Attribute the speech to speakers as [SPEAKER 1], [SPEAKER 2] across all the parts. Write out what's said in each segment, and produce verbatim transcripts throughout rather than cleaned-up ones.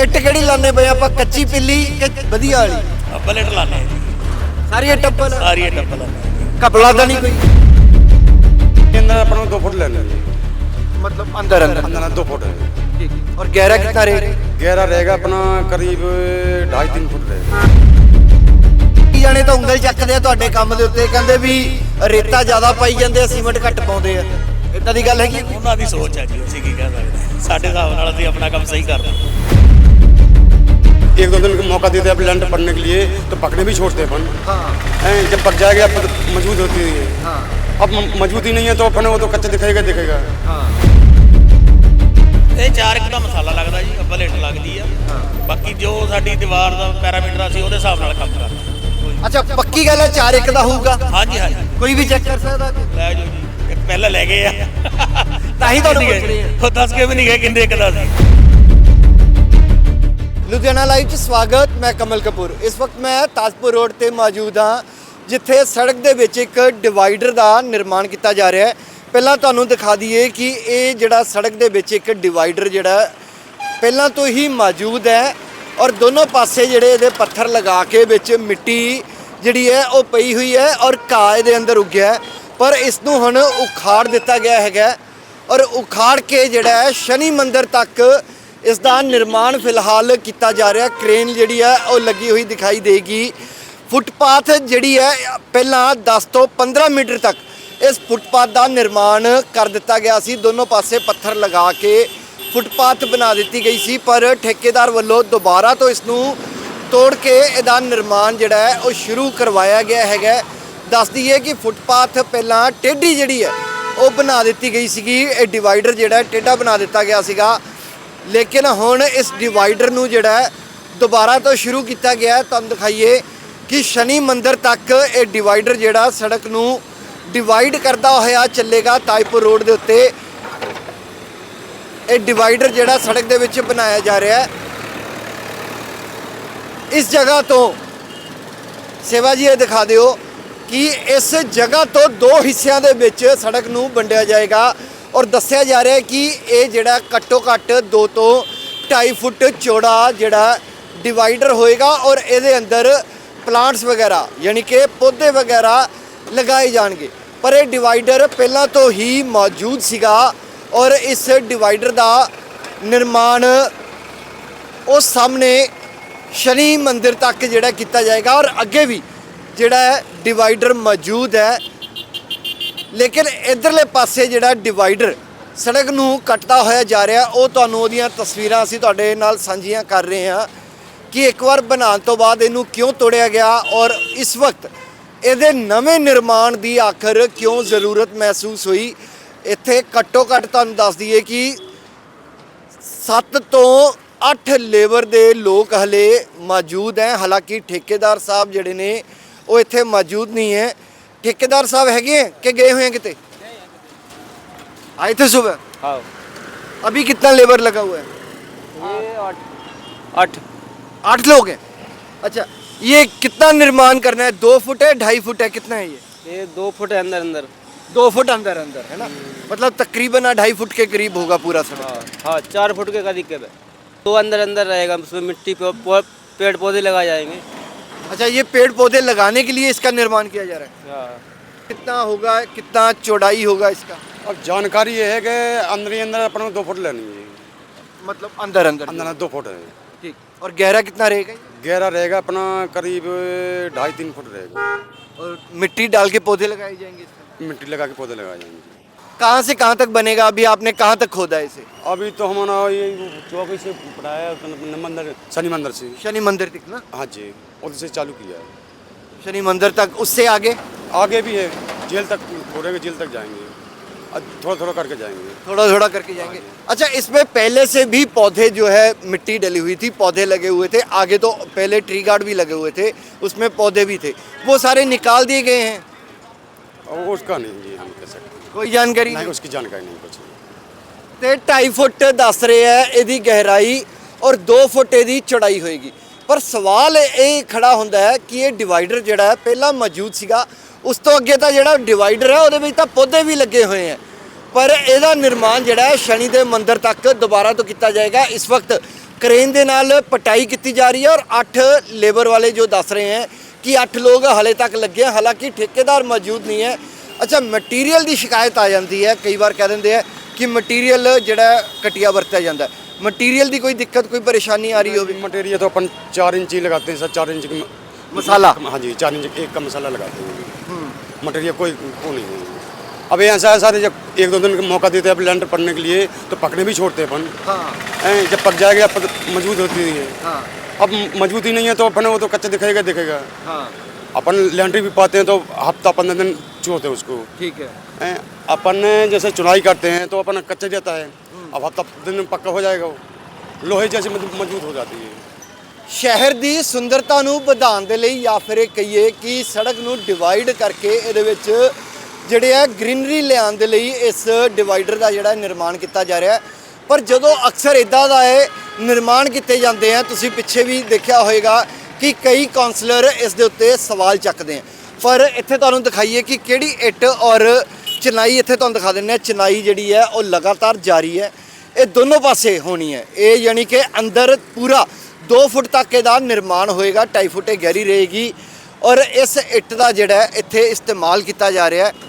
[SPEAKER 1] ਇੱਟ ਕਿਹੜੀ ਲਾਣੇ ਪਏ ਆਪਾਂ, ਕੱਚੀ ਪਿੱਲੀ ਕਿ ਵਧੀਆ ਵਾਲੀ?
[SPEAKER 2] ਅੱਬਲ ਇੱਟ ਲਾਣੇ ਜੀ,
[SPEAKER 1] ਸਾਰੀ ਟੱਪਲ
[SPEAKER 2] ਸਾਰੀ ਇੱਟ ਅੱਬਲ ਲਾਣੇ।
[SPEAKER 1] ਕਪੜਾ ਤਾਂ ਨਹੀਂ ਕੋਈ?
[SPEAKER 3] अंदर अपना दो फुट लेना है,
[SPEAKER 1] मतलब अंदर अंदर
[SPEAKER 3] अंदर दो फुट है।
[SPEAKER 1] ठीक है। और गहरा कितना रहेगा?
[SPEAKER 3] गहरा रहेगा अपना करीब ढाई तीन फुट रहेगा।
[SPEAKER 1] ਜਾਣੇ ਤਾਂ ਉਂਗਲ ਚੱਕਦੇ ਆ ਤੁਹਾਡੇ ਕੰਮ ਦੇ ਉੱਤੇ, ਕਹਿੰਦੇ ਵੀ ਰੇਤਾ ਜ਼ਿਆਦਾ ਪਾਈ ਜਾਂਦੇ ਆ, ਸੀਮੈਂਟ ਘੱਟ ਪਾਉਂਦੇ ਆ, ਇਦਾਂ ਦੀ ਗੱਲ ਹੈਗੀ?
[SPEAKER 2] ਉਹਨਾਂ ਦੀ ਸੋਚ ਹੈ ਜੀ, ਅਸੀਂ ਕੀ ਕਹਿ ਸਕਦੇ ਹਾਂ। ਸਾਡੇ ਹਿਸਾਬ ਨਾਲ ਅਸੀਂ ਆਪਣਾ ਕੰਮ ਸਹੀ ਕਰਦੇ ਹਾਂ।
[SPEAKER 3] एक दो दिन का मौका देते हैं लैंड पढ़ने के लिए, तो पकड़े भी छोड़ते हैं अपन।
[SPEAKER 1] हाँ
[SPEAKER 3] हैं, जब पक जाएगा अब मजबूत होती है।
[SPEAKER 1] हाँ
[SPEAKER 3] अब म- मजबूती नहीं है तो अपन वो तो कच्चा दिखेगा दिखेगा।
[SPEAKER 1] हाँ
[SPEAKER 2] ਇਹ ਚਾਰ ਇੱਕ ਦਾ ਮਸਾਲਾ ਲੱਗਦਾ ਜੀ, ਅੱਬਲ ਇੱਟ ਲੱਗਦੀ ਆ। ਬਾਕੀ ਜੋ ਸਾਡੀ ਦੀਵਾਰ ਦਾ ਪੈਰਾਮੀਟਰ ਅਸੀਂ ਉਹਦੇ ਹਿਸਾਬ ਨਾਲ ਕੰਮ ਕਰਦੇ ਹਾਂ।
[SPEAKER 1] ਅੱਛਾ ਪੱਕੀ ਗੱਲ ਹੈ ਚਾਰ ਇੱਕ ਦਾ ਹੋਊਗਾ?
[SPEAKER 2] ਹਾਂਜੀ ਹਾਂਜੀ,
[SPEAKER 1] ਕੋਈ ਵੀ ਚੈੱਕ ਕਰ ਸਕਦਾ?
[SPEAKER 2] ਲੈ ਜਾਓ ਜੀ, ਇੱਕ ਪਹਿਲਾਂ ਲੈ ਗਏ ਆ
[SPEAKER 1] ਤਾਂ ਹੀ ਤੁਹਾਨੂੰ ਪੁੱਛ ਰਹੇ ਆ।
[SPEAKER 2] ਉਹ ਦੱਸ ਕੇ ਵੀ ਨਹੀਂ ਗਏ ਕਿੰਨੇ ਇੱਕ ਦਾ ਸੀ।
[SPEAKER 1] ਲੁਧਿਆਣਾ ਲਾਈਵ 'ਚ ਸਵਾਗਤ, ਮੈਂ ਕਮਲ ਕਪੂਰ। ਇਸ ਵਕਤ ਮੈਂ ਤਾਜਪੁਰ ਰੋਡ ਤੇ ਮੌਜੂਦ ਹਾਂ, ਜਿੱਥੇ ਸੜਕ ਦੇ ਵਿੱਚ ਇੱਕ ਡਿਵਾਈਡਰ ਦਾ ਨਿਰਮਾਣ ਕੀਤਾ ਜਾ ਰਿਹਾ ਹੈ। ਪਹਿਲਾਂ ਤੁਹਾਨੂੰ ਦਿਖਾ ਦਈਏ ਕਿ ਇਹ ਜਿਹੜਾ ਸੜਕ ਦੇ ਵਿੱਚ ਇੱਕ ਡਿਵਾਈਡਰ ਜਿਹੜਾ ਪਹਿਲਾਂ ਤੋਂ ਹੀ ਮੌਜੂਦ ਹੈ, ਔਰ ਦੋਨੋਂ ਪਾਸੇ ਜਿਹੜੇ ਇਹਦੇ ਪੱਥਰ ਲਗਾ ਕੇ ਵਿੱਚ ਮਿੱਟੀ ਜਿਹੜੀ ਹੈ ਉਹ ਪਈ ਹੋਈ ਹੈ, ਔਰ ਘਾਹ ਇਹਦੇ ਅੰਦਰ ਉੱਗਿਆ ਹੈ। ਪਰ ਇਸ ਨੂੰ ਹੁਣ ਉਖਾੜ ਦਿੱਤਾ ਗਿਆ ਹੈਗਾ, ਔਰ ਉਖਾੜ ਕੇ ਜਿਹੜਾ ਹੈ ਸ਼ਨੀ ਮੰਦਿਰ ਤੱਕ ਇਸ ਦਾ ਨਿਰਮਾਣ ਫਿਲਹਾਲ ਕੀਤਾ ਜਾ ਰਿਹਾ। ਕ੍ਰੇਨ ਜਿਹੜੀ ਹੈ ਉਹ ਲੱਗੀ ਹੋਈ ਦਿਖਾਈ ਦੇਗੀ। ਫੁੱਟਪਾਥ ਜਿਹੜੀ ਹੈ ਪਹਿਲਾਂ ਦਸ ਤੋਂ ਪੰਦਰਾਂ ਮੀਟਰ ਤੱਕ ਇਸ ਫੁੱਟਪਾਥ ਦਾ ਨਿਰਮਾਣ ਕਰ ਦਿੱਤਾ ਗਿਆ ਸੀ, ਦੋਨੋਂ ਪਾਸੇ ਪੱਥਰ ਲਗਾ ਕੇ ਫੁੱਟਪਾਥ ਬਣਾ ਦਿੱਤੀ ਗਈ ਸੀ, ਪਰ ਠੇਕੇਦਾਰ ਵੱਲੋਂ ਦੁਬਾਰਾ ਤੋਂ ਇਸ ਨੂੰ ਤੋੜ ਕੇ ਇਹਦਾ ਨਿਰਮਾਣ ਜਿਹੜਾ ਹੈ ਉਹ ਸ਼ੁਰੂ ਕਰਵਾਇਆ ਗਿਆ ਹੈਗਾ। ਦੱਸ ਦਈਏ ਕਿ ਫੁੱਟਪਾਥ ਪਹਿਲਾਂ ਟੇਢੀ ਜਿਹੜੀ ਹੈ ਉਹ ਬਣਾ ਦਿੱਤੀ ਗਈ ਸੀਗੀ, ਇਹ ਡਿਵਾਈਡਰ ਜਿਹੜਾ ਟੇਢਾ ਬਣਾ ਦਿੱਤਾ ਗਿਆ ਸੀਗਾ, ਲੇਕਿਨ ਹੁਣ ਇਸ ਡਿਵਾਈਡਰ ਨੂੰ ਜਿਹੜਾ ਹੈ ਦੁਬਾਰਾ ਤੋਂ ਸ਼ੁਰੂ ਕੀਤਾ ਗਿਆ। ਤੁਹਾਨੂੰ ਦਿਖਾਈਏ ਕਿ ਸ਼ਨੀ ਮੰਦਿਰ ਤੱਕ ਇਹ ਡਿਵਾਈਡਰ ਜਿਹੜਾ ਸੜਕ ਨੂੰ ਡਿਵਾਈਡ ਕਰਦਾ ਹੋਇਆ ਚੱਲੇਗਾ। ਤਾਜਪੁਰ ਰੋਡ ਦੇ ਉੱਤੇ ਇਹ ਡਿਵਾਈਡਰ ਜਿਹੜਾ ਸੜਕ ਦੇ ਵਿੱਚ ਬਣਾਇਆ ਜਾ ਰਿਹਾ ਹੈ। ਇਸ ਜਗ੍ਹਾ ਤੋਂ ਸੇਵਾ ਜੀ ਇਹ ਦਿਖਾ ਦਿਓ ਕਿ ਇਸ ਜਗ੍ਹਾ ਤੋਂ ਦੋ ਹਿੱਸਿਆਂ ਦੇ ਵਿੱਚ ਸੜਕ ਨੂੰ ਵੰਡਿਆ ਜਾਏਗਾ, ਔਰ ਦੱਸਿਆ ਜਾ ਰਿਹਾ ਹੈ ਕਿ ਇਹ ਜਿਹੜਾ ਘੱਟੋ ਘੱਟ ਦੋ ਤੋਂ ਢਾਈ ਫੁੱਟ ਚੌੜਾ ਜਿਹੜਾ ਡਿਵਾਈਡਰ ਹੋਏਗਾ, ਔਰ ਇਹਦੇ ਅੰਦਰ ਪਲਾਂਟਸ ਵਗੈਰਾ ਯਾਨੀ ਕਿ ਪੌਦੇ ਵਗੈਰਾ ਲਗਾਏ ਜਾਣਗੇ। ਪਰ ਇਹ ਡਿਵਾਈਡਰ ਪਹਿਲਾਂ ਤੋਂ ਹੀ ਮੌਜੂਦ ਸੀਗਾ, ਔਰ ਇਸ ਡਿਵਾਈਡਰ ਦਾ ਨਿਰਮਾਣ ਉਸ ਸਾਹਮਣੇ ਸ਼ਨੀ ਮੰਦਿਰ ਤੱਕ ਜਿਹੜਾ ਕੀਤਾ ਜਾਏਗਾ, ਔਰ ਅੱਗੇ ਵੀ ਜਿਹੜਾ ਹੈ ਡਿਵਾਈਡਰ ਮੌਜੂਦ ਹੈ। ਲੇਕਿਨ ਇਧਰਲੇ ਪਾਸੇ ਜਿਹੜਾ ਡਿਵਾਈਡਰ ਸੜਕ ਨੂੰ ਕੱਟਦਾ ਹੋਇਆ ਜਾ ਰਿਹਾ, ਉਹ ਤੁਹਾਨੂੰ ਉਹਦੀਆਂ ਤਸਵੀਰਾਂ ਅਸੀਂ ਤੁਹਾਡੇ ਨਾਲ ਸਾਂਝੀਆਂ ਕਰ ਰਹੇ ਹਾਂ ਕਿ ਇੱਕ ਵਾਰ ਬਣਾਉਣ ਤੋਂ ਬਾਅਦ ਇਹਨੂੰ ਕਿਉਂ ਤੋੜਿਆ ਗਿਆ, ਔਰ ਇਸ ਵਕਤ ਇਹਦੇ ਨਵੇਂ ਨਿਰਮਾਣ ਦੀ ਆਖਰ ਕਿਉਂ ਜ਼ਰੂਰਤ ਮਹਿਸੂਸ ਹੋਈ। ਇੱਥੇ ਘੱਟੋ ਘੱਟ ਤੁਹਾਨੂੰ ਦੱਸ ਦਈਏ ਕਿ ਸੱਤ ਤੋਂ ਅੱਠ ਲੇਬਰ ਦੇ ਲੋਕ ਹਲੇ ਮੌਜੂਦ ਹੈ। ਹਾਲਾਂਕਿ ਠੇਕੇਦਾਰ ਸਾਹਿਬ ਜਿਹੜੇ ਨੇ ਉਹ ਇੱਥੇ ਮੌਜੂਦ ਨਹੀਂ ਹੈ। ठेकेदार साहब है कि गए हुए हैं किते? आए थे सुबह?
[SPEAKER 4] हाँ।
[SPEAKER 1] अभी कितना लेबर लगा हुआ है?
[SPEAKER 4] ये आठ आठ
[SPEAKER 1] आठ लोग हैं। अच्छा, ये कितना निर्माण करना है? दो फुट है, ढाई फुट है, कितना है ये?
[SPEAKER 4] ये दो फुट है अंदर अंदर।
[SPEAKER 1] दो फुट अंदर अंदर है ना, मतलब तकरीबन ढाई फुट के करीब होगा पूरा सड़क।
[SPEAKER 4] हाँ हाँ, चार फुट के करीब है। तो अंदर अंदर रहेगा, उसमें मिट्टी पे पौ- पेड़ पौधे लगाए जाएंगे।
[SPEAKER 1] अच्छा, ये पेड़ पौधे लगाने के लिए इसका निर्माण किया जा रहा है।
[SPEAKER 4] हाँ।
[SPEAKER 1] कितना होगा, कितना चौड़ाई होगा इसका?
[SPEAKER 3] अब जानकारी ये है कि अंदर ही अंदर अपन को दो फुट लेनी है,
[SPEAKER 1] मतलब अंदर अंदर
[SPEAKER 3] अंदर दो फुट है।
[SPEAKER 1] ठीक। और गहरा कितना रहेगा?
[SPEAKER 3] गहरा रहेगा अपना करीब ढाई तीन फुट रहेगा।
[SPEAKER 1] और मिट्टी डाल के पौधे लगाए जाएंगे इसमें?
[SPEAKER 3] मिट्टी लगा के पौधे लगाए जाएंगे।
[SPEAKER 1] कहाँ से कहाँ तक बनेगा? अभी आपने कहाँ तक खोदा है इसे?
[SPEAKER 3] अभी तो हमारा ये चौकी से पढ़ाया मंदिर, शनि मंदिर से।
[SPEAKER 1] शनि मंदिर तक ना?
[SPEAKER 3] हाँ जी, उधर से चालू किया है।
[SPEAKER 1] शनि मंदिर तक, उससे आगे
[SPEAKER 3] आगे भी है, जेल तक छोड़ेंगे, जेल तक जाएंगे, थोड़ा थोड़ा करके जाएंगे,
[SPEAKER 1] थोड़ा थोड़ा करके जाएंगे। अच्छा, इसमें पहले से भी पौधे जो है मिट्टी डली हुई थी, पौधे लगे हुए थे आगे, तो पहले ट्री गार्ड भी लगे हुए थे, उसमें पौधे भी थे, वो सारे निकाल दिए गए हैं?
[SPEAKER 3] और उसका नहीं जी हम कह सकते,
[SPEAKER 1] कोई जानकारी
[SPEAKER 3] नहीं
[SPEAKER 1] नहीं?
[SPEAKER 3] उसकी जानकारी नहीं कुछ।
[SPEAKER 1] ਤੇ ਢਾਈ ਫੁੱਟ ਦੱਸ ਰਹੇ ਹੈ ਇਹਦੀ ਗਹਿਰਾਈ, ਔਰ ਦੋ ਫੁੱਟ ਇਹਦੀ ਚੌੜਾਈ ਹੋਏਗੀ। ਪਰ ਸਵਾਲ ਇਹ ਖੜਾ ਹੁੰਦਾ ਹੈ ਕਿ ਇਹ ਡਿਵਾਈਡਰ ਜਿਹੜਾ ਹੈ ਪਹਿਲਾਂ ਮੌਜੂਦ ਸੀਗਾ, ਉਸ ਤੋਂ ਅੱਗੇ ਤਾਂ ਜਿਹੜਾ ਡਿਵਾਈਡਰ ਹੈ ਉਹਦੇ ਵਿੱਚ ਤਾਂ ਪੌਦੇ ਵੀ ਲੱਗੇ ਹੋਏ ਹੈ, ਪਰ ਇਹਦਾ ਨਿਰਮਾਣ ਜਿਹੜਾ ਹੈ ਸ਼ਨੀ ਦੇ ਮੰਦਿਰ ਤੱਕ ਦੁਬਾਰਾ ਤੋਂ ਕੀਤਾ ਜਾਏਗਾ। ਇਸ ਵਕਤ क्रेन ਦੇ ਨਾਲ ਪਟਾਈ ਕੀਤੀ ਜਾ ਰਹੀ ਹੈ और आठ लेबर वाले जो दस रहे हैं कि आठ लोग हाले तक लगे हैं, हालांकि ठेकेदार मौजूद नहीं है। अच्छा, मटीरियल की शिकायत आ जाती है, कई बार कह देंगे हैं कि मटीरियल ਜਿਹੜਾ ਘਟੀਆ ਵਰਤਿਆ ਜਾਂਦਾ है। मटीरियल की कोई दिक्कत कोई परेशानी आ रही हो?
[SPEAKER 3] मटेरियल तो अपन चार इंच ही लगाते हैं सर, चार इंच की
[SPEAKER 1] मसाला।
[SPEAKER 3] हाँ जी, चार इंच एक का मसाला लगाते हैं। मटेरियल कोई वो नहीं है। अब ये ऐसा है सर, जब एक दो दिन का मौका देते हैं अब लैंड पड़ने के लिए तो पकड़े भी छोड़ते हैं अपन।
[SPEAKER 1] हाँ
[SPEAKER 3] हैं, जब पक जाएगा अब मजबूत होती है।
[SPEAKER 1] हाँ
[SPEAKER 3] अब मजबूती नहीं है तो अपन वो तो कच्चा दिखेगा दिखेगा।
[SPEAKER 1] हाँ
[SPEAKER 3] अपन लैंड्री भी पाते हैं तो हफ्ता पंद्रह दिन छोड़ते हैं उसको।
[SPEAKER 1] ठीक है।
[SPEAKER 3] हैं, अपन जैसे चुनाई करते हैं तो अपन कच्चा जाता है, अब हफ्ता दिन में पक्का हो जाएगा, वो लोहे जैसे मजबूत हो जाती है।
[SPEAKER 1] ਸ਼ਹਿਰ ਦੀ ਸੁੰਦਰਤਾ ਨੂੰ ਵਧਾਉਣ ਦੇ ਲਈ ਜਾਂ ਫਿਰ ਇਹ ਕਹੀਏ ਕਿ ਸੜਕ ਨੂੰ ਡਿਵਾਈਡ ਕਰਕੇ ਇਹਦੇ ਵਿੱਚ ਜਿਹੜੇ ਆ ਗ੍ਰੀਨਰੀ ਲਿਆਉਣ ਦੇ ਲਈ ਇਸ ਡਿਵਾਈਡਰ ਦਾ ਜਿਹੜਾ ਨਿਰਮਾਣ ਕੀਤਾ ਜਾ ਰਿਹਾ ਹੈ। ਪਰ ਜਦੋਂ ਅਕਸਰ ਇਦਾਂ ਦਾ ਇਹ ਨਿਰਮਾਣ ਕੀਤੇ ਜਾਂਦੇ ਆ, ਤੁਸੀਂ ਪਿੱਛੇ ਵੀ ਦੇਖਿਆ ਹੋਵੇਗਾ ਕਿ ਕਈ ਕਾਉਂਸਲਰ ਇਸ ਦੇ ਉੱਤੇ ਸਵਾਲ ਚੱਕਦੇ ਆ। ਪਰ ਇੱਥੇ ਤੁਹਾਨੂੰ ਦਿਖਾਈਏ ਕਿ ਕਿਹੜੀ ਇੱਟ ਔਰ ਚਿਨਾਈ, ਇੱਥੇ ਤੁਹਾਨੂੰ ਦਿਖਾ ਦਿੰਦੇ ਆ ਚਿਨਾਈ ਜਿਹੜੀ ਹੈ ਉਹ ਲਗਾਤਾਰ ਜਾਰੀ ਹੈ। ਇਹ ਦੋਨੋਂ ਪਾਸੇ ਹੋਣੀ ਹੈ। ਇਹ ਯਾਨੀ ਕਿ ਅੰਦਰ ਪੂਰਾ दो फुट तक ਇਹਦਾ ਨਿਰਮਾਣ ਹੋਏਗਾ, ਢਾਈ ਫੁੱਟ ਇਹ ਗਹਿਰੀ ਰਹੇਗੀ ਔਰ ਇਸ ਇੱਟ ਦਾ ਜਿਹੜਾ ਇੱਥੇ ਇਸਤੇਮਾਲ ਕੀਤਾ ਜਾ ਰਿਹਾ ਹੈ।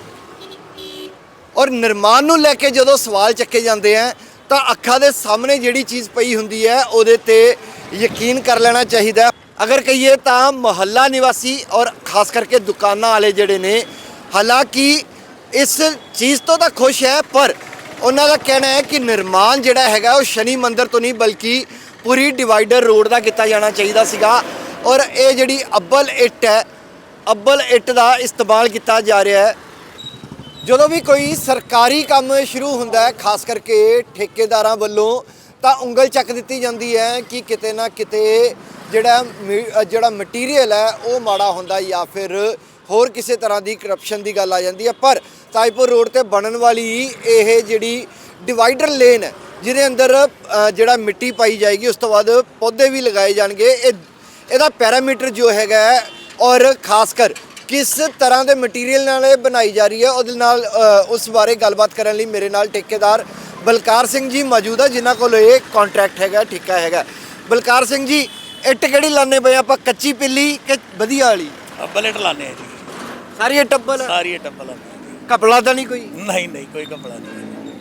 [SPEAKER 1] ਔਰ ਨਿਰਮਾਣ ਨੂੰ ਲੈ ਕੇ ਜਦੋਂ ਸਵਾਲ ਚੱਕੇ ਜਾਂਦੇ ਆ ਤਾਂ ਅੱਖਾਂ ਦੇ ਸਾਹਮਣੇ ਜਿਹੜੀ ਚੀਜ਼ ਪਈ ਹੁੰਦੀ ਹੈ ਉਹਦੇ ਤੇ ਯਕੀਨ ਕਰ ਲੈਣਾ ਚਾਹੀਦਾ। ਅਗਰ ਕਹੀਏ ਤਾਂ ਮੁਹੱਲਾ ਨਿਵਾਸੀ ਔਰ ਖਾਸ ਕਰਕੇ ਦੁਕਾਨਾਂ ਵਾਲੇ ਜਿਹੜੇ ਨੇ, ਹਾਲਾਂਕਿ ਇਸ ਚੀਜ਼ ਤੋਂ ਤਾਂ ਖੁਸ਼ ਹੈ, ਪਰ ਉਹਨਾਂ ਦਾ ਕਹਿਣਾ ਹੈ ਕਿ ਨਿਰਮਾਣ ਜਿਹੜਾ ਹੈਗਾ ਉਹ ਸ਼ਨੀ ਮੰਦਿਰ ਤੋਂ ਨਹੀਂ ਬਲਕਿ ਪੂਰੀ ਡਿਵਾਈਡਰ ਰੋਡ ਦਾ ਕੀਤਾ ਜਾਣਾ ਚਾਹੀਦਾ ਸੀਗਾ। ਔਰ ਇਹ ਜਿਹੜੀ ਅੱਬਲ ਇੱਟ ਹੈ, ਅੱਬਲ ਇੱਟ ਦਾ ਇਸਤੇਮਾਲ ਕੀਤਾ ਜਾ ਰਿਹਾ ਹੈ। ਜਦੋਂ ਵੀ ਕੋਈ ਸਰਕਾਰੀ ਕੰਮ ਸ਼ੁਰੂ ਹੁੰਦਾ ਹੈ, ਖਾਸ ਕਰਕੇ ਠੇਕੇਦਾਰਾਂ ਵੱਲੋਂ, ਤਾਂ ਉਂਗਲ ਚੱਕ ਦਿੱਤੀ ਜਾਂਦੀ ਹੈ ਕਿ ਕਿਤੇ ਨਾ ਕਿਤੇ ਜਿਹੜਾ ਜਿਹੜਾ ਮਟੀਰੀਅਲ ਹੈ ਉਹ ਮਾੜਾ ਹੁੰਦਾ ਜਾਂ ਫਿਰ ਹੋਰ ਕਿਸੇ ਤਰ੍ਹਾਂ ਦੀ ਕਰਪਸ਼ਨ ਦੀ ਗੱਲ ਆ ਜਾਂਦੀ ਹੈ। ਪਰ ਤਾਜਪੁਰ ਰੋਡ ਤੇ ਬਣਨ ਵਾਲੀ ਇਹ ਜਿਹੜੀ ਡਿਵਾਈਡਰ ਲੇਨ ਹੈ, ਜਿਹਦੇ ਅੰਦਰ ਜਿਹੜਾ ਮਿੱਟੀ ਪਾਈ ਜਾਏਗੀ, ਉਸ ਤੋਂ ਬਾਅਦ ਪੌਦੇ ਵੀ ਲਗਾਏ ਜਾਣਗੇ, ਇਹ ਇਹਦਾ ਪੈਰਾਮੀਟਰ ਜੋ ਹੈਗਾ ਔਰ ਖਾਸ ਕਰ ਕਿਸ ਤਰ੍ਹਾਂ ਦੇ ਮਟੀਰੀਅਲ ਨਾਲ ਇਹ ਬਣਾਈ ਜਾ ਰਹੀ ਹੈ, ਉਹਦੇ ਨਾਲ ਉਸ ਬਾਰੇ ਗੱਲਬਾਤ ਕਰਨ ਲਈ ਮੇਰੇ ਨਾਲ ਠੇਕੇਦਾਰ ਬਲਕਾਰ ਸਿੰਘ ਜੀ ਮੌਜੂਦ ਹੈ, ਜਿਨ੍ਹਾਂ ਕੋਲ ਇਹ ਕੰਟਰੈਕਟ ਹੈਗਾ, ਠੇਕਾ ਹੈਗਾ। ਬਲਕਾਰ ਸਿੰਘ ਜੀ, ਇੱਟ ਕਿਹੜੀ ਲਾਣੇ ਪਏ ਆਪਾਂ, ਕੱਚੀ ਪਿੱਲੀ ਕਿ ਵਧੀਆ ਵਾਲੀ?
[SPEAKER 2] ਅੱਬਲ ਇੱਟ ਲਾਣੇ ਆ ਜੀ,
[SPEAKER 1] ਸਾਰੀ ਇੱਟ ਅੱਬਲ?
[SPEAKER 2] ਸਾਰੀ ਇੱਟ ਅੱਬਲ ਲਾਉਂਦੇ
[SPEAKER 1] ਕਪੜਾ ਤਾਂ ਨਹੀਂ ਕੋਈ?
[SPEAKER 2] ਨਹੀਂ ਨਹੀਂ ਕੋਈ ਕਪੜਾ ਨਹੀਂ,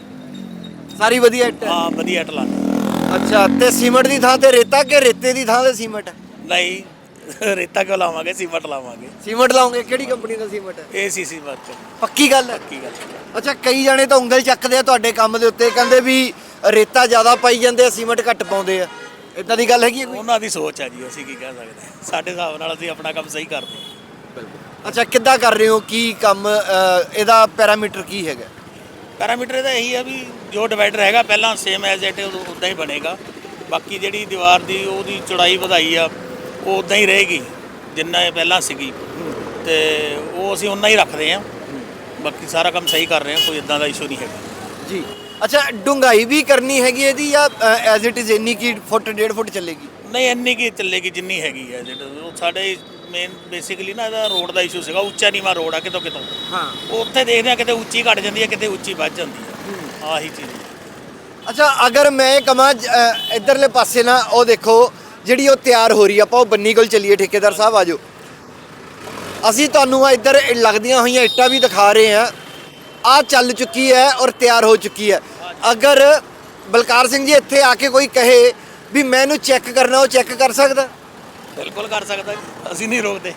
[SPEAKER 1] ਸਾਰੀ ਵਧੀਆ ਇੱਟ?
[SPEAKER 2] ਹਾਂ ਵਧੀਆ ਇੱਟ ਲਾਉਂਦੇ।
[SPEAKER 1] ਅੱਛਾ, ਤੇ ਸੀਮੈਂਟ ਦੀ ਥਾਂ ਤੇ ਰੇਤਾ ਕਿ ਰੇਤੇ ਦੀ ਥਾਂ ਤੇ ਸੀਮੈਂਟ?
[SPEAKER 2] ਨਹੀਂ ਰੇਤਾ ਕਿਉਂ ਲਾਵਾਂਗੇ, ਸੀਮੈਂਟ ਲਾਵਾਂਗੇ।
[SPEAKER 1] ਸੀਮੈਂਟ ਲਾਉਂਗੇ? ਕਿਹੜੀ ਕੰਪਨੀ ਦਾ ਸੀਮੈਂਟ ਹੈ?
[SPEAKER 2] ACC work.
[SPEAKER 1] ਪੱਕੀ ਗੱਲ ਹੈ?
[SPEAKER 2] ਪੱਕੀ ਗੱਲ।
[SPEAKER 1] ਅੱਛਾ, ਕਈ ਜਾਣੇ ਤਾਂ ਉਂਗਲ ਚੱਕਦੇ ਆ ਤੁਹਾਡੇ ਕੰਮ ਦੇ ਉੱਤੇ, ਕਹਿੰਦੇ ਵੀ ਰੇਤਾ ਜ਼ਿਆਦਾ ਪਾਈ ਜਾਂਦੇ ਆ, ਸੀਮੈਂਟ ਘੱਟ ਪਾਉਂਦੇ ਆ। ਇਦਾਂ ਦੀ ਗੱਲ ਹੈਗੀ ਹੈ ਕੋਈ?
[SPEAKER 2] ਉਹਨਾਂ ਦੀ ਸੋਚ ਹੈ ਜੀ, ਅਸੀਂ ਕੀ ਕਹਿ ਸਕਦੇ ਹਾਂ। ਸਾਡੇ ਹਿਸਾਬ ਨਾਲ ਅਸੀਂ ਆਪਣਾ ਕੰਮ ਸਹੀ ਕਰਦੇ ਹਾਂ।
[SPEAKER 1] ਅੱਛਾ, ਕਿੱਦਾਂ ਕਰ ਰਹੇ ਹੋ, ਕੀ ਕੰਮ, ਇਹਦਾ ਪੈਰਾਮੀਟਰ ਕੀ ਹੈਗਾ?
[SPEAKER 2] ਪੈਰਾਮੀਟਰ ਇਹਦਾ ਇਹੀ ਹੈ ਵੀ ਜੋ ਡਿਵਾਈਡਰ ਹੈਗਾ ਪਹਿਲਾਂ ਸੇਮ ਐਜ਼ ਇਟ ਉੱਦਾਂ ਹੀ ਬਣੇਗਾ। ਬਾਕੀ ਜਿਹੜੀ ਦੀਵਾਰ ਦੀ ਉਹਦੀ ਚੌੜਾਈ ਵਧਾਈ ਆ ਉਹ ਉੱਦਾਂ ਹੀ ਰਹੇਗੀ ਜਿੰਨਾ ਇਹ ਪਹਿਲਾਂ ਸੀਗੀ, ਤੇ ਉਹ ਅਸੀਂ ਉਨਾ ਹੀ ਰੱਖਦੇ ਹਾਂ। ਬਾਕੀ ਸਾਰਾ ਕੰਮ ਸਹੀ ਕਰ ਰਹੇ ਹਾਂ, ਕੋਈ ਇਦਾਂ ਦਾ ਇਸ਼ੂ ਨਹੀਂ ਹੈਗਾ
[SPEAKER 1] ਜੀ। ਅੱਛਾ, ਡੂੰਘਾਈ ਵੀ ਕਰਨੀ ਹੈਗੀ ਇਹਦੀ ਜਾਂ ਐਜ਼ ਇਟ ਇਜ਼ ਇੰਨੀ ਕੀ ਫੁੱਟ ਡੇਢ ਫੁੱਟ ਚੱਲੇਗੀ?
[SPEAKER 2] ਨਹੀਂ ਇੰਨੀ ਕੀ ਚੱਲੇਗੀ ਜਿੰਨੀ ਹੈਗੀ ਹੈ। ਜਿਹੜਾ ਸਾਡੇ ਮੇਨ ਬੇਸਿਕਲੀ ਨਾ ਇਹਦਾ ਰੋਡ ਦਾ ਇਸ਼ੂ ਸੀਗਾ, ਉੱਚਾ ਨੀਵਾਂ ਰੋਡ ਆ ਕਿਤੋਂ ਕਿਤੋਂ।
[SPEAKER 1] ਹਾਂ,
[SPEAKER 2] ਉੱਥੇ ਦੇਖਦੇ ਆ ਕਿਤੇ ਉੱਚੀ ਘਟ ਜਾਂਦੀ ਹੈ, ਕਿਤੇ ਉੱਚੀ ਵੱਧ ਜਾਂਦੀ ਹੈ, ਆਹੀ ਚੀਜ਼।
[SPEAKER 1] ਅੱਛਾ, ਅਗਰ ਮੈਂ ਕਹਾਂ ਇਧਰਲੇ ਪਾਸੇ ਨਾ ਉਹ ਦੇਖੋ ਜਿਹੜੀ ਉਹ ਤਿਆਰ ਹੋ ਰਹੀ, ਆਪਾਂ ਉਹ ਬੰਨੀ ਕੋਲ ਚੱਲੀਏ। ਠੇਕੇਦਾਰ ਸਾਹਿਬ ਆਜੋ, ਅਸੀਂ ਤੁਹਾਨੂੰ ਆ ਇੱਧਰ ਲੱਗਦੀਆਂ ਹੋਈਆਂ ਇੱਟਾਂ ਵੀ ਦਿਖਾ ਰਹੇ ਹਾਂ। ਆ ਚੱਲ ਚੁੱਕੀ ਹੈ ਔਰ ਤਿਆਰ ਹੋ ਚੁੱਕੀ ਹੈ। ਅਗਰ ਬਲਕਾਰ ਸਿੰਘ ਜੀ ਇੱਥੇ ਆ ਕੇ ਕੋਈ ਕਹੇ ਵੀ ਮੈਂ ਇਹਨੂੰ ਚੈੱਕ ਕਰਨਾ, ਉਹ ਚੈੱਕ ਕਰ ਸਕਦਾ?
[SPEAKER 2] ਬਿਲਕੁਲ ਕਰ ਸਕਦਾ ਜੀ, ਅਸੀਂ ਨਹੀਂ ਰੋਕਦੇ।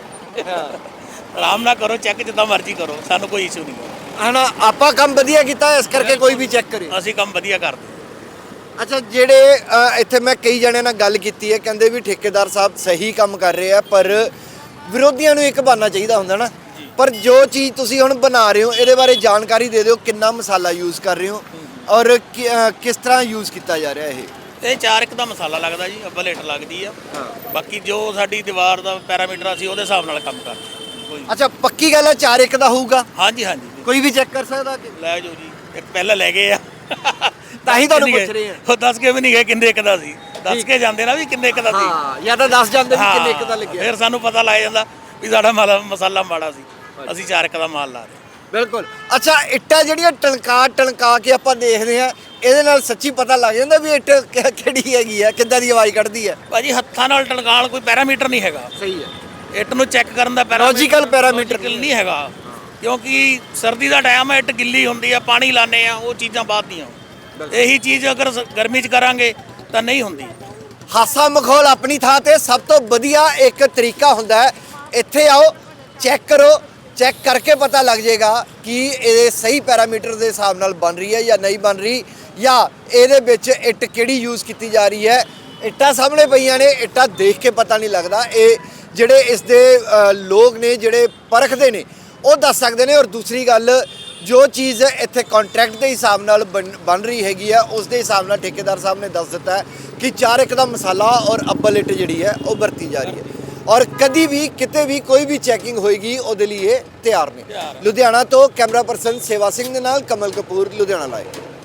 [SPEAKER 2] ਆਰਾਮ ਨਾਲ ਕਰੋ ਚੈੱਕ, ਜਿੱਦਾਂ ਮਰਜ਼ੀ ਕਰੋ, ਸਾਨੂੰ ਕੋਈ ਇਸ਼ੂ ਨਹੀਂ ਹੈ
[SPEAKER 1] ਨਾ। ਆਪਾਂ ਕੰਮ ਵਧੀਆ ਕੀਤਾ ਇਸ ਕਰਕੇ ਕੋਈ ਵੀ ਚੈੱਕ ਕਰੇ।
[SPEAKER 2] ਅਸੀਂ ਕੰਮ ਵਧੀਆ ਕਰਦੇ।
[SPEAKER 1] ਅੱਛਾ, ਜਿਹੜੇ ਇੱਥੇ ਮੈਂ ਕਈ ਜਣਿਆਂ ਨਾਲ ਗੱਲ ਕੀਤੀ ਹੈ, ਕਹਿੰਦੇ ਵੀ ਠੇਕੇਦਾਰ ਸਾਹਿਬ ਸਹੀ ਕੰਮ ਕਰ ਰਹੇ ਆ, ਪਰ ਵਿਰੋਧੀਆਂ ਨੂੰ ਇੱਕ ਬਹਾਨਾ ਚਾਹੀਦਾ ਹੁੰਦਾ ਨਾ। ਪਰ ਜੋ ਚੀਜ਼ ਤੁਸੀਂ ਹੁਣ ਬਣਾ ਰਹੇ ਹੋ ਇਹਦੇ ਬਾਰੇ ਜਾਣਕਾਰੀ ਦੇ ਦਿਓ, ਕਿੰਨਾ ਮਸਾਲਾ ਯੂਜ਼ ਕਰ ਰਹੇ ਹੋ ਔਰ ਕਿਸ ਤਰ੍ਹਾਂ ਯੂਜ਼ ਕੀਤਾ ਜਾ ਰਿਹਾ ਇਹ?
[SPEAKER 2] ਇਹ ਚਾਰ ਇੱਕ ਦਾ ਮਸਾਲਾ ਲੱਗਦਾ ਜੀ, ਅੱਬਲ ਇੱਟ ਲੱਗਦੀ ਆ। ਬਾਕੀ ਜੋ ਸਾਡੀ ਦੀਵਾਰ ਦਾ ਪੈਰਾਮੀਟਰ ਅਸੀਂ ਉਹਦੇ ਹਿਸਾਬ ਨਾਲ ਕੰਮ ਕਰਦੇ ਕੋਈ।
[SPEAKER 1] ਅੱਛਾ, ਪੱਕੀ ਗੱਲ ਹੈ ਚਾਰ ਇੱਕ ਦਾ ਹੋਊਗਾ?
[SPEAKER 2] ਹਾਂਜੀ ਹਾਂਜੀ,
[SPEAKER 1] ਕੋਈ ਵੀ ਚੈੱਕ ਕਰ ਸਕਦਾ ਕਿ?
[SPEAKER 2] ਲੈ ਜਾਓ ਜੀ, ਇੱਕ ਪਹਿਲਾਂ ਲੈ ਗਏ ਆ
[SPEAKER 1] ਤਾਂ ਹੀ ਤੁਹਾਨੂੰ ਪੁੱਛ ਰਹੇ ਆ।
[SPEAKER 2] ਉਹ ਦੱਸ ਕੇ ਵੀ ਨਹੀਂ ਗਏ ਕਿੰਨੇ ਇੱਕ ਦਾ ਸੀ, ਦੱਸ ਕੇ ਜਾਂਦੇ ਨਾ ਵੀ ਕਿੰਨੇ ਇੱਕ ਦਾ ਸੀ।
[SPEAKER 1] ਹਾਂ, ਜਾਂ ਤਾਂ ਦੱਸ ਜਾਂਦੇ ਵੀ ਕਿੰਨੇ ਇੱਕ ਦਾ ਲੱਗਿਆ,
[SPEAKER 2] ਫਿਰ ਸਾਨੂੰ ਪਤਾ ਲੱਗ ਜਾਂਦਾ ਵੀ ਸਾਡਾ ਮਾਲ ਮਸਾਲਾ ਮਾੜਾ ਸੀ। ਅਸੀਂ ਚਾਰ ਇੱਕ ਦਾ ਮਾਲ ਲਾ ਰਹੇ।
[SPEAKER 1] ਬਿਲਕੁਲ। ਅੱਛਾ, ਇੱਟਾਂ ਜਿਹੜੀਆਂ ਟਣਕਾ ਟਣਕਾ ਕੇ ਆਪਾਂ ਦੇਖਦੇ ਆ, ਇਹਦੇ ਨਾਲ ਸੱਚੀ ਪਤਾ ਲੱਗ ਜਾਂਦਾ ਵੀ ਇੱਟ ਕਿ- ਕਿਹੜੀ ਹੈਗੀ ਆ, ਕਿੱਦਾਂ ਦੀ ਆਵਾਜ਼ ਕੱਢਦੀ ਹੈ।
[SPEAKER 2] ਭਾਜੀ ਹੱਥਾਂ ਨਾਲ ਟਣਕਾਣ ਕੋਈ ਪੈਰਾਮੀਟਰ ਨਹੀਂ ਹੈਗਾ।
[SPEAKER 1] ਸਹੀ ਹੈ।
[SPEAKER 2] ਇੱਟ ਨੂੰ ਚੈੱਕ ਕਰਨ ਦਾ
[SPEAKER 1] Logical parameter
[SPEAKER 2] logical ਨਹੀਂ ਹੈਗਾ, ਕਿਉਂਕਿ ਸਰਦੀ ਦਾ ਟਾਈਮ ਹੈ, ਇੱਟ ਗਿੱਲੀ ਹੁੰਦੀ ਆ, ਪਾਣੀ ਲਾਣੇ ਆ, ਉਹ ਚੀਜ਼ਾਂ ਬਾਅਦ ਦੀਆਂ। ਇਹੀ ਚੀਜ਼ ਅਗਰ ਸ- ਗਰਮੀ 'ਚ ਕਰਾਂਗੇ ਤਾਂ ਨਹੀਂ ਹੁੰਦੀ।
[SPEAKER 1] ਹਾਸਾ ਮਖੌਲ ਆਪਣੀ ਥਾਂ ਤੇ ਸਭ ਤੋਂ ਵਧੀਆ ਇੱਕ ਤਰੀਕਾ ਹੁੰਦਾ ਹੈ। ਇੱਥੇ ਆਓ, ਚੈੱਕ ਕਰੋ, ਚੈੱਕ ਕਰਕੇ ਪਤਾ ਲੱਗ ਜਾਏਗਾ ਕਿ ਇਹ ਸਹੀ ਪੈਰਾਮੀਟਰ ਦੇ ਹਿਸਾਬ ਨਾਲ ਬਣ ਰਹੀ ਹੈ ਜਾਂ ਨਹੀਂ ਬਣ ਰਹੀ, ਜਾਂ ਇਹਦੇ ਵਿੱਚ ਇੱਟ ਕਿਹੜੀ ਯੂਜ਼ ਕੀਤੀ ਜਾ ਰਹੀ ਹੈ। ਇੱਟਾਂ ਸਾਹਮਣੇ ਪਈਆਂ ਨੇ, ਇੱਟਾਂ ਦੇਖ ਕੇ ਪਤਾ ਨਹੀਂ ਲੱਗਦਾ। ਇਹ ਜਿਹੜੇ ਇਸ ਦੇ ਅ, ਲੋਕ ਨੇ ਜਿਹੜੇ ਪਰਖਦੇ ਨੇ ਉਹ ਦੱਸ ਸਕਦੇ ਨੇ। ਔਰ ਦੂਸਰੀ ਗੱਲ, ਜੋ ਚੀਜ਼ ਇੱਥੇ ਕੰਟਰੈਕਟ ਦੇ ਹਿਸਾਬ ਨਾਲ ਬਣ ਬਣ ਰਹੀ ਹੈਗੀ ਆ, ਉਸ ਦੇ ਹਿਸਾਬ ਨਾਲ ਠੇਕੇਦਾਰ ਸਾਹਿਬ ਨੇ ਦੱਸ ਦਿੱਤਾ ਹੈ ਕਿ ਚਾਰ ਇੱਕ ਦਾ ਮਸਾਲਾ ਔਰ ਅੱਬਲ ਇੱਟ ਜਿਹੜੀ ਹੈ ਉਹ ਵਰਤੀ ਜਾ ਰਹੀ ਹੈ। ਔਰ ਕਦੀ ਵੀ ਕਿਤੇ ਵੀ ਕੋਈ ਵੀ ਚੈਕਿੰਗ ਹੋਏਗੀ ਉਹਦੇ ਲਈ ਇਹ ਤਿਆਰ ਨੇ। ਲੁਧਿਆਣਾ ਤੋਂ ਕੈਮਰਾ ਪਰਸਨ ਸੇਵਾ ਸਿੰਘ ਦੇ ਨਾਲ ਕਮਲ ਕਪੂਰ, ਲੁਧਿਆਣਾ ਲਾਈਵ।